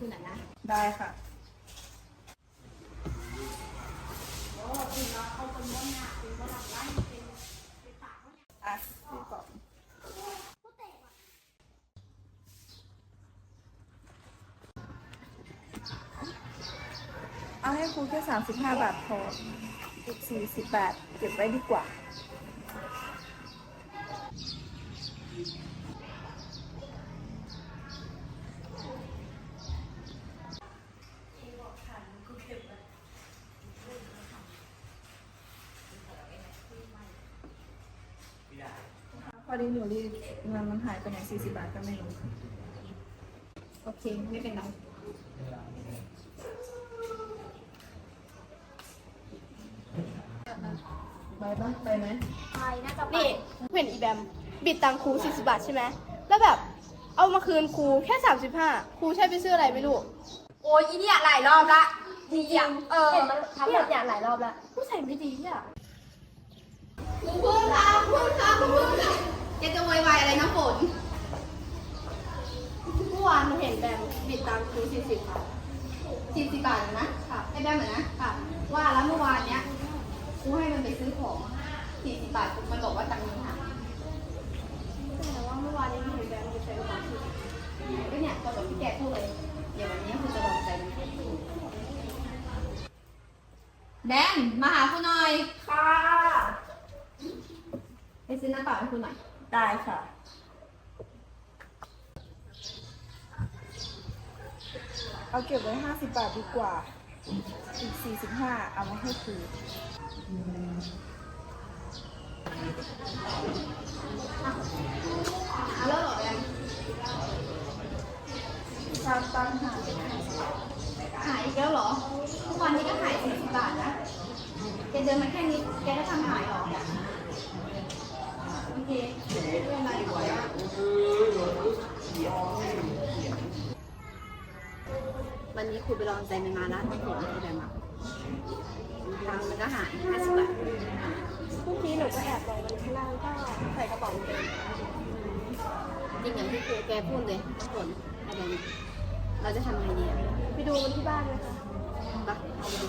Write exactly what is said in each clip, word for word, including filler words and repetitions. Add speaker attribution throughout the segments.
Speaker 1: คุณหน่อยนะ
Speaker 2: ได้ค่ะ
Speaker 1: โอ้คุณเราเอาคนม้วนหน้าเป็นคนหลังไล่เป็นเป็นปากเขาเนี่ย
Speaker 2: อ่ะพี่กล่องเอาให้ครูแค่สามสิบห้าบาทพออีกสี่สิบบาทเก็บไว้ดีกว่าพอดีหนูรีบเงินมันหายไปไหนสี่สิบบาทก็ไม่รู้
Speaker 1: โอเคไม่เป็นไร
Speaker 2: ไปปะไปไหม
Speaker 1: ไปน่าจะ
Speaker 3: นี่เห็นอีแบมบิดตังครูสี่สิบบาทใช่ไหมแล้วแบบเอามาคืนครูแค่สามสิบห้าครูใช้ไปซื้ออะไรไม่รู้
Speaker 1: โอ้ยอีเนี่ยหลายรอบละจริงเออ
Speaker 3: ทำแบบอย่างหลายรอบแล้วผู้ใส่ไม่ดีอ่ะคุณครูคะคุณคะคุณครูคะ
Speaker 1: แกจะโวยวายอะไรนะฝน
Speaker 3: เมื่อวานหนูเห็นแบมบิดตังครูสี่สิบค่ะ
Speaker 1: สี่สิบบาทนะค่ะไอ้แบมเหมือนนะค่ะว่าแล้วเมื่อวานเนี้ยกูให้มันไปซื้อของสี่สิบบาทมันบอกว่าตังค์นี้ค่ะ
Speaker 3: แต่ว่าเมื่อวานนี้หนูเห็นแบมบิดใส่กระเป๋าสี่สิบ
Speaker 1: ก็เนี่ยตอนกับพี่แกพูดเลยเดี๋ยววันนี้คุณจะลองใจมันแดนมาหาคุณหน่อย
Speaker 2: ค่ะ
Speaker 1: ไปซื้อน้ำเปล่าให้คุณหน่อย
Speaker 2: ได้ค่ะเอาเก็บไว้ห้าสิบบาทดีกว่าอีกสี่สิบห้าเอามาให้ครู
Speaker 1: เอาแล้วเหรอแดน
Speaker 2: ตามตามหา
Speaker 1: หายอีกแล้วเหรอทุกวันนี้ก็หายสี่สิบบาทนะแกเดินมาแค่นี้แกก็ทำหายหรอโอเคเรื่องอะไรดีกว่าวันนี้ครูไปลองใจมันมาแล้วไม่เห็นอะไรแบบตังค์มันก็หายห้าสิบบาท
Speaker 3: พรุ่งนี้หนูก็แอบลองมันข้างล่างก็ใส่กระเป๋าเต็ม
Speaker 1: จริงอย่างที่ครูแกพูดเลยทุกคนอะไรเนี่ยเราจะทำยังไงดีอ่ะ
Speaker 3: ไปดูมันที่บ้านนะคะ
Speaker 1: ไปเอาไปดู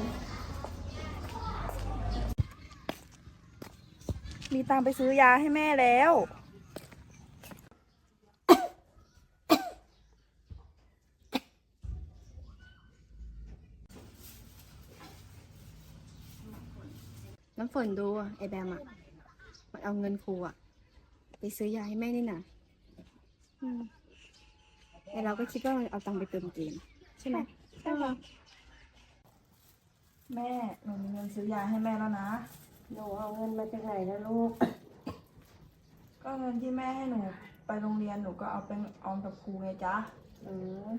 Speaker 2: มีตังค์ไปซื้อยาให้แม่แล้ว
Speaker 1: น้ำฝนดูไอ้แบมอ่ะมันเอาเงินครูอ่ะไปซื้อยาให้แม่นี่นะไอ้เราก็คิดว่ามันเอาตังค์ไปเติมเกมใช่ไหม
Speaker 3: ใช่ค่ะ
Speaker 2: แม่หนูมีเงินซื้อยาให้แม่แล้วนะ
Speaker 3: หนูเอาเงินมาจากไหนนะลูก
Speaker 2: ก็เงินที่แม่ให้หนูไปโรงเรียนหนูก็เอาไปออมกับครูไงจ๊ะ
Speaker 3: อืม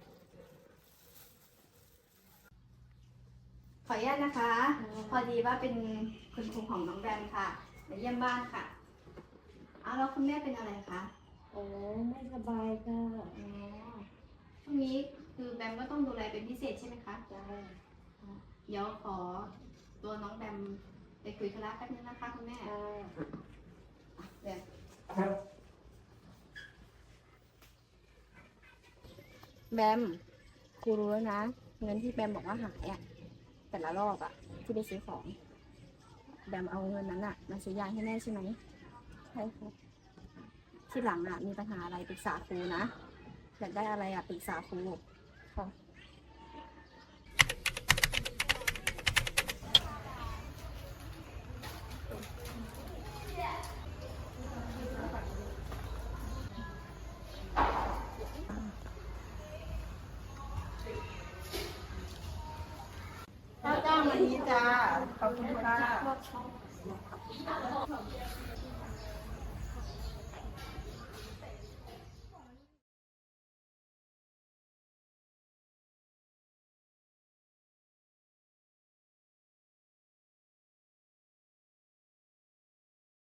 Speaker 1: ขออนุญาตนะคะ พอดีว่าเป็นคุณครูของน้องแบมค่ะมาเยี่ยมบ้านค่ะเอาแล้วคุณแม่เป็นอะไรคะ
Speaker 3: โอ้ไม่สบายค่ะ
Speaker 1: อ๋อช่วงนี้คือแบมก็ต้องดูแลเป็นพิเศษใช่ไหมคะ
Speaker 3: ใช่
Speaker 1: เดี๋ยวขอตัวน้องแบมไปคุยธุระแป๊บนึงนะคะคุณแม่เดี๋ยวแบมครูรู้แล้วนะเงินที่แบมบอกว่าหายอ่ะแต่ละรอบอ่ะที่ไปซื้อของแบมเอาเงินนั้นอ่ะมาซื้อยาให้แม่ใช่ไหม
Speaker 3: ใช่ค่ะ
Speaker 1: ที่หลังอ่ะมีปัญหาอะไรปรึกษาครูนะอยากได้อะไรอ่ะปรึกษาครู
Speaker 3: ค่ะ
Speaker 2: ข้าวจ้างวันนี้จ้าขอบคุณค่ะ